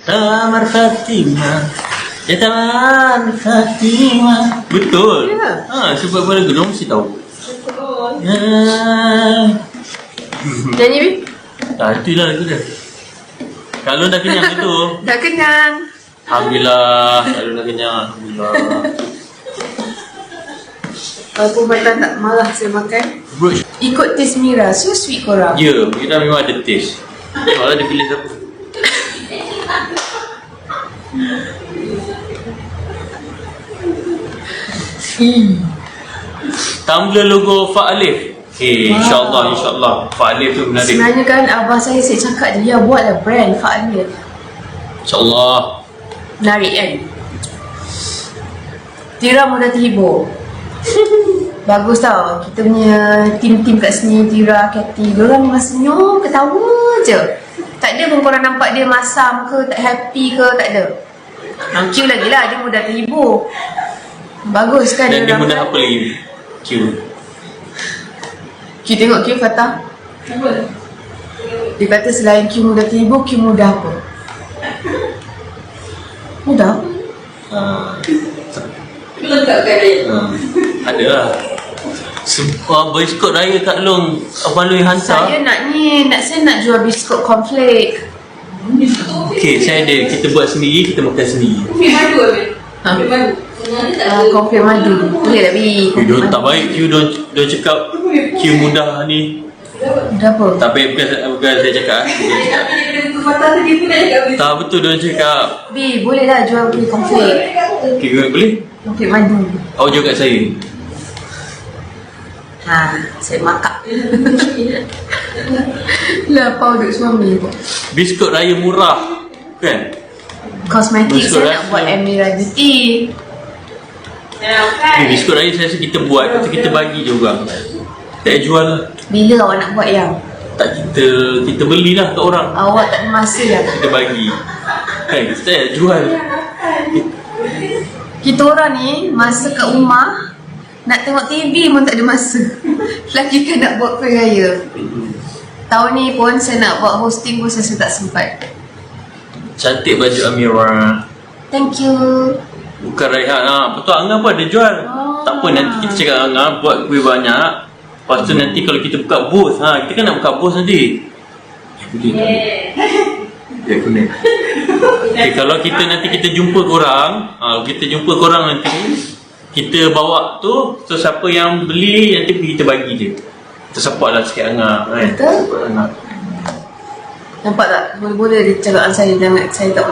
Tamar Fatimah. Ya Tamar Fatimah. Betul. Ya. Sebab pada gunung mesti tahu. Nyanyi, Bi? Itulah lagu dia. Kalau dah kenyang itu. Dah kenyang. Alhamdulillah. Kalau dah kenyang, alhamdulillah. Walaupun Matan tak marah saya makan. Bro, Ikut taste Mira. So sweet korang. ya, kita memang ada taste. Tengoklah dia pilih siapa. Tumblr logo Fak Alif. Okay, insyaAllah Fak Alif tu menarik. Sebenarnya kan abah saya cakap dia buatlah brand Fak Alif. InsyaAllah. Menarik kan? Tira mudah terhibur. Bagus tau. Kita punya tim-tim kat sini, Tira, Cathy, diorang memang senyum, ketawa je. Tak ada pun korang nampak dia masam ke, tak happy ke, tak ada. Q lagi lah, dia mudah terhibur. Bagus kan? Dan dia diorang mudah kan? apa lagi? Q. Q tengok Q Fatah. Dia kata selain Q mudah terhibur, Q mudah apa? Mudah apa? Ada lah. Biskut raya Kak Long, Abang Lui hantar. Saya nak jual biskut cornflake. Okay, saya ada. Kita buat sendiri, kita makan sendiri. Cornflake madu. Boleh tak, Bi? Q tak baik. Q don't cakap Q mudah ni. Mudah apa? Tak baik, bukan saya cakap. Tak betul dia cakap. Bi, boleh lah jual cornflake. Okay, boleh? Cornflake madu. Awak jual kat saya. Saya makak. Lah, apa duduk suami pun. Biskut raya murah. Kan? Kosmetik Biskut saya nak buat Amira Beauty. Biskut raya saya rasa kita buat. Kita bagi je orang. Tak jual lah. Bila awak nak buat yang? Tak, kita belilah kat orang. Awak tak ada masa lah. Kita bagi. Kan? Kita tak jual. Kita orang ni masa kat rumah nak tengok TV pun tak ada masa. Lagi kan nak buat kuih raya. Tahun ni pun saya nak buat hosting pun saya tak sempat. Cantik baju Amira. Thank you. Bukan Raihan lah. Betul Angah pun ada jual. Tak apa, nanti kita cakap Angah buat kuih banyak. Lepas tu nanti kalau kita buka booth, kita kan nak buka booth nanti. Boleh tak? Ya, kuning. Okay, kalau kita nanti kita jumpa korang, kita jumpa korang nanti, kita bawa tu, so siapa yang beli nanti kita bagi je. Kita support lah sikit Angah kan. Betul. Support Angah. Nampak tak? Boleh-boleh dia cakap saya jangan, saya tak